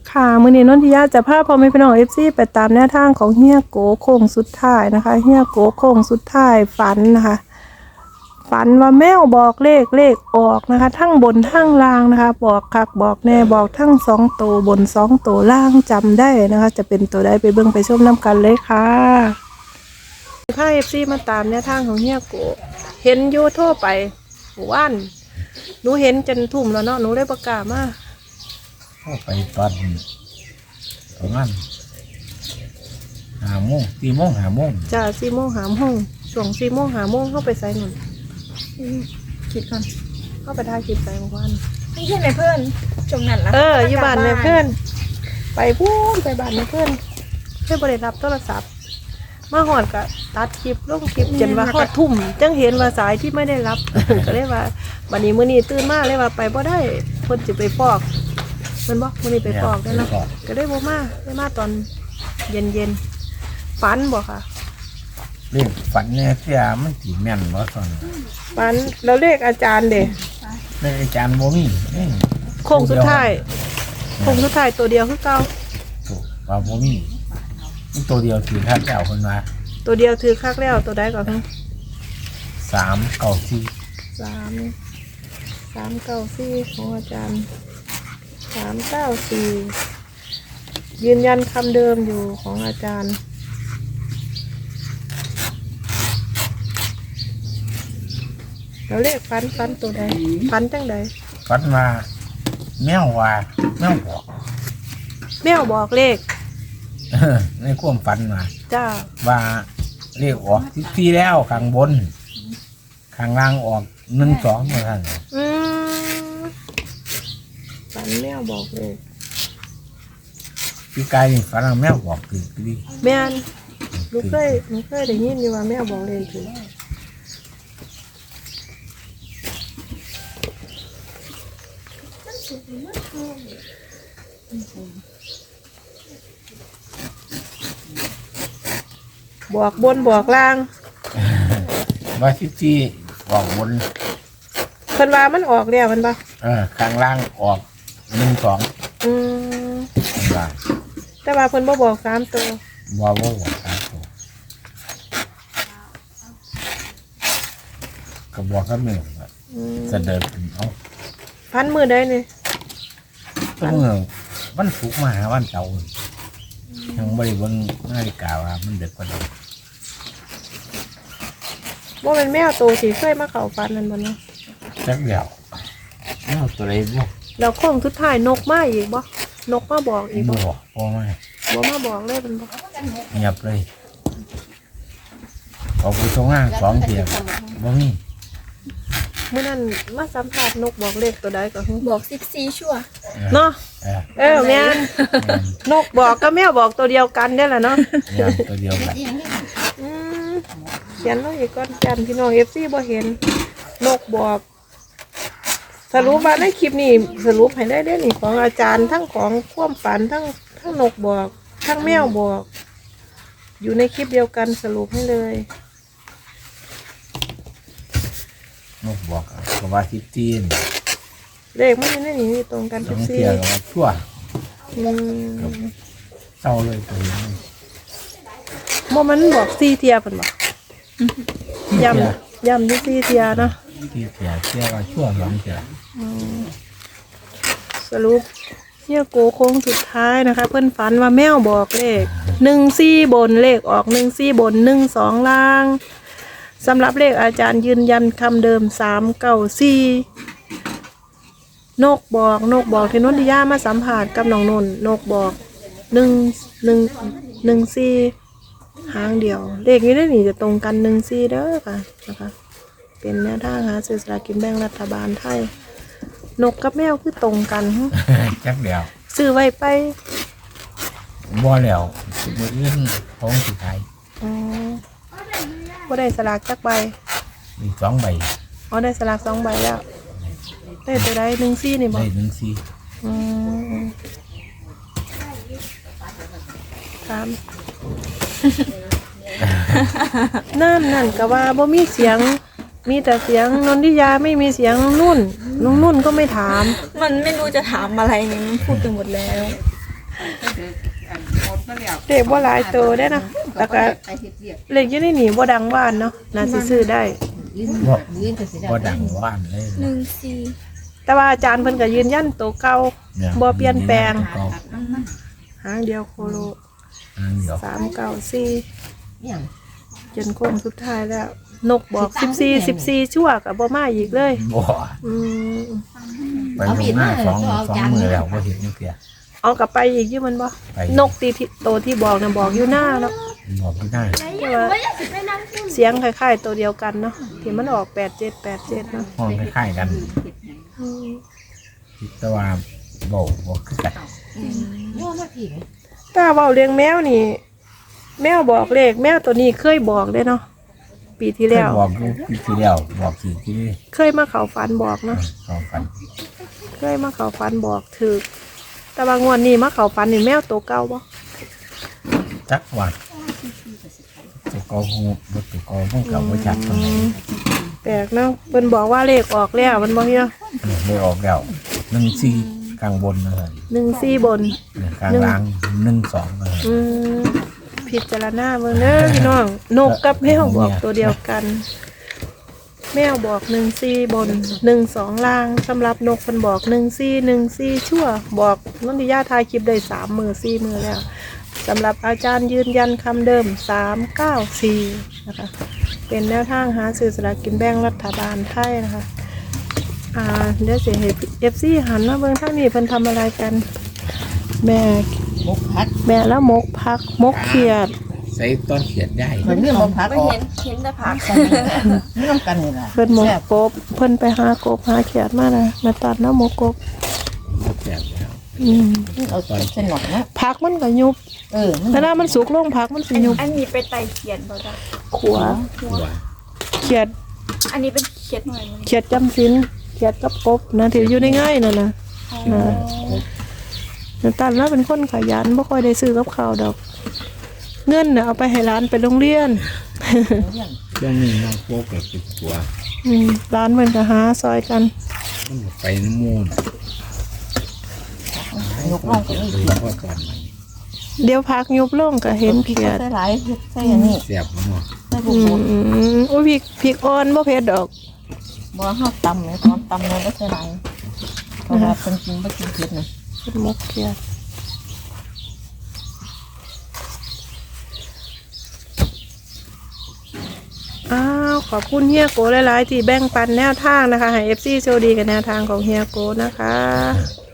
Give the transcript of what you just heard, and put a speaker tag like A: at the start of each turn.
A: ค่ะมื้อนี้นนทิยาจะพาพ่อแม่พี่น้อง FC ไปตามแนวทางของเฮียโกโค้งสุดท้ายนะคะเฮียโกโค้งสุดท้ายฝันนะคะฝันว่าแมวบอกเลขออกนะคะทั้งบนทั้งล่างนะคะบอกคักบอกแน่บอกทั้ง2ตัวบน2ตัวล่างจำได้นะคะจะเป็นตัวใดไปเบิ่งไปชมน้ำกันเลยค่ะพา FC มาตามแนวทางของเฮียโกเห็นอยู่โทรไปว่านหนูเห็นจนทุ่มแล้วเนาะหนูได้ประกาศมา
B: เข้าไปตอนประมาณ5 โมง4 โมง5 โมง
A: จ้า4 โมง5 โมงช่วง4 โมง5 โมงเข้าไปใส่หนุนคิดก่อนเข้าไปถ่ายคลิปใส่เมื่อวาน
C: ไม่ใช่ไหมเพื่อนจงนั้นละ
A: อยู่บ้านแม่เพื่อนไปพูดไปบ้านแม่เพื่อนบริรับโทรศัพท์มาหอดกะตัดคลิปลงคลิปจนว่าหอดทุ่มจังเห็นว่าสายที่ไม่ได้รับ ก็เลยว่าวันนี้มื้อนี้ตื่นมาเลยว่าไปบ่ได้เพิ่นจะไปฟอกมันบอกมื้อนี้ไปฟอกได้เนาะก็ได้บ่มาได้มาตอนเย็นฝันบ่ค่ะ
B: เรื่องฝันเนี่ยเสียมันสิแม่นบ่ตอน
A: ฝันแล้วเลขอาจารย์เด้
B: เลขอาจารย์บ่มี
A: โค้งสุดท้ายตัวเดียวคือเก่า
B: ถูกว่าบ่มีมันตัวเดียวถือท่านเจ้าเพิ่นว่า
A: ตัวเดียวถือคักแล้วตัวใดก่อนครับ
B: 394
A: 394ของอาจารย์394ยืนยันคำเดิมอยู่ของอาจารย์แล้วเลขฟันตัวใดฟันจังใด
B: ฝันว่าแมวบอก
A: เลข
B: ในความฝัน
A: จ้า
B: ว่าเลขออกที่แล้วข้างบนข้างล่างออก12ว่าซั่น
A: ฝันแมวบอกเลข
B: พี่กายนี่ฝันว่าแมวบอกคือดี
A: แม่นหนูเคยได้ยินอยู่ว่าแมวบอกเลขถึงบอกบนบอกล่าง
B: ว่าที่บอกบน
A: เพิ่นว่ามันออกแล้วมันบ่
B: ข้างล่างออก12
A: ว่าแต่ว่าเพิ่นบ่บอก3ตัว
B: บ่บอก3ตัวก็บอกกับแม่เสด็จเอา
A: พันมือได้นี่
B: วันศุกร์มาหาวันเสาร์ยังบ่ได้เบิ่งนาฬิกาว่ามันดึกกว่านั้น
A: บ่เป็นแมวโตสิเคยมาเข้าฝันนั่นบ่เนาะ
B: จักเดียวแมวตัวใดบ่
A: แล้วโค้งสุดท้ายนกมาอีกบ่นกมาบอกอีกบ่
B: บ่
A: มาบอกเลยเป็นบ่
B: เงียบเลยเอาผู้ทรงงาน2 เที่ยบ่มี
A: มื้อนั้นมาสัมภาษณ์นกบอกเลขตัวใดก็
C: บอก14ชั่ว
A: เนาะแม่นนกบอกกับแมวบอกตัวเดียวกันได้แหละเนาะ
B: ตัวเดียวกัน
A: เขียนลงอีกก่อนจันพี่น้อง FC บ่เห็นนกบอกสรุปว่าในคลิปนี้สรุปให้ได้นี่ของอาจารย์ทั้งของความฝันทั้งนกบอกทั้งแมวบอกอยู่ในคลิปเดียวกันสรุปให้เลย
B: นกบอกก็ว่า
A: เลขมันในนี้ตรงกัน
B: 14เที่ยก็ชั่วเศร้าเลยตัวนี้
A: มันบอก4เที่ยเพิ่นบอกย้ำที่4เที่ยเนาะ
B: 4 เที่ยก็ชั่ว2 เที่ย
A: สรุปเฮียโกโค้งสุดท้ายนะคะเพิ่นฝันว่าแมวบอกเลข14บนเลขออก14บน12ล่างสำหรับเลขอาจารย์ยืนยันคำเดิม394นกบอกที่นนทิยามาสัมผัสกับน้องนนนกบอก14หางเดียวเลขนี้ได้หนีจะตรงกัน14เด้อค่ะนะคะเป็นแนวทางหาซื้อสลากกินแบ่งรัฐบาลไทยนกกับแมวคือตรงกัน
B: จักเดียว
A: ซื้อไว้ไป
B: บ่แล้วมื้ออื่นของสิขาย
A: บ่ได้สลากจักใบ
B: มี2 ใบ
A: ได้สลาก2 ใบแล้วได้ตัวใด14นี่บ่
B: ได้14
A: ครับนั่นก็ว่าบ่มีเสียงมีแต่เสียงนนทิยาไม่มีเสียงนุ่นก็ไม่ถาม
C: มันไม่รู้จะถามอะไรนี่มันพูดไปหมดแล้ว
A: เลขบ่หลายตัวได้เนาะแล้วก็เลขอยู่ในนี่บ่ดังว่านเนาะน่าสิซื้อได้
B: บ่ดังว่านเลย
C: 14
A: แต่ว่าอาจารย์เพิ่นก็ยืนยันตัวเก่า
B: เนี่ย
A: บ่เปลี่ยนแปลง
B: เก่า
A: หางเดียวโคโล
B: อันเดียว
A: 394จนโค้งสุดท้ายแล้ว นกบอก14ชั่วก็บ่มาอีกเลย
B: บ่
A: อืม
B: ไปลงหน้าสองมือแล้วบ่เห็นนี่เพีย
A: เอากลับไปอีกอยู่มันบ่
B: ไป
A: นกตีที่โตที่บอกน่ะบอกอยู่หน้าเนาะ
B: บอกไม่ได้
A: แต่ว่าเสียงคล้ายๆตัวเดียวกันเนาะที่มันออก8787เนาะ
B: ห้องคล้ายๆกัน
A: อืม
B: แต่ว่าบ่คือกัน
A: ถ้าเว้าเลี้ยงแมวนี่ แมวบอกเลขแมวตัวนี้เคยบอกเลยเนาะปีที่แล้ว
B: บอกอยู่ปีที่แล้วบอกสี่ที่นี่
A: เคยมาเข้าฝันบอกเนาะ
B: สองกัน
A: เคยมาเข้าฝันบอกถึกแต่ว่างวดนี้มาเข้าฝันนี่แมวตัวเก่าบ่
B: จักว่าตัวเกาหูบ่ตัวเกาพวกเก่าบ่จักตรงไหน
A: แปลกเนาะเพิ่นบอกว่าเลขออกแล้วมันบ่เฮีย
B: ไม่ออกแล้ว14กลางบนเลย
A: 14บน
B: กลางล่าง12เลย
A: อืมพิจารณาเบิ่งเด้อพี่น้องนกกับแมวบอกตัวเดียวกัน แมวบอก14บน12ล่างสำหรับนกเพิ่นบอก14ชั่วบอกนนทิยาทายคลิปได้3 มื้อ4 มื้อแล้วสำหรับอาจารย์ยืนยันคำเดิม394นะคะเป็นแนวทางหาซื้อสลากกินแบ่งรัฐบาลไทยนะคะเดี๋ยวสิให้ FC หันมาเบิ่งทางนี้เพิ่นทำอะไรกัน แม่แล้วมกพักมกเขียด
B: ใส่ต้นเขียดได้
D: เหมือนเรื่องมะพร้าว
C: ไม่
D: ออก
C: เห็นแต่ผัก
D: เรื่องกันนี่แหละ
A: เพิ่นมกกบเพิ่นไปหากบหาเขียดมานะมาตัดแล้วมกกบ
B: บ่แซ่บแล้ว
D: เอาเส้นหนอกนะ
A: ผักมันก็ยุบ
D: มัน
A: เวลามันสุกลงผักมันสิยุบ
C: อันนี้ไปไต่เขียดบ่จ้ะ
A: ขัว
B: ตัว
A: เขียด
C: อันนี้เป็นเขียดหน่อยมัน
A: เขียดจำศีลเขียดกับกบนะที่อยู่ในง่ายนั่นน่ะนะตัดแล้วเป็นคนขยันบ่ค่อยได้ซื้อกับข้าวดอก เงินน่ะเอาไปให้ร้านไปโรงเรียน
B: เรื่องนี้น้องโป๊กก็ติดตัว
A: ร้านเพิ่นก็หาซอยกัน
B: มันไปน้ำมูล
D: ยกล่องก็มี
B: โดยเฉพาะตอนนี้
A: เดี๋ยวพักยุบลงก็เห็น
D: พริก
A: เขียด
D: ใส่หลายใส่อันนี้
B: แซ่บเนาะ
D: ใส่บุ
A: อื
D: ก
A: มอุ้ยพริกอ่อนบ่เผ็ดดอก
D: บ่ห้าตำเลยตอนตำเลยก็ใส่หลายเพราะว่าคนกินไม่กินเผ็ดนะ
A: เป็นมกเขียดอ้าวขอบคุณเฮียโกหลายๆที่แบ่งปันแนวทางนะคะให้ FC โชคดีกับแนวทางของเฮียโกนะคะ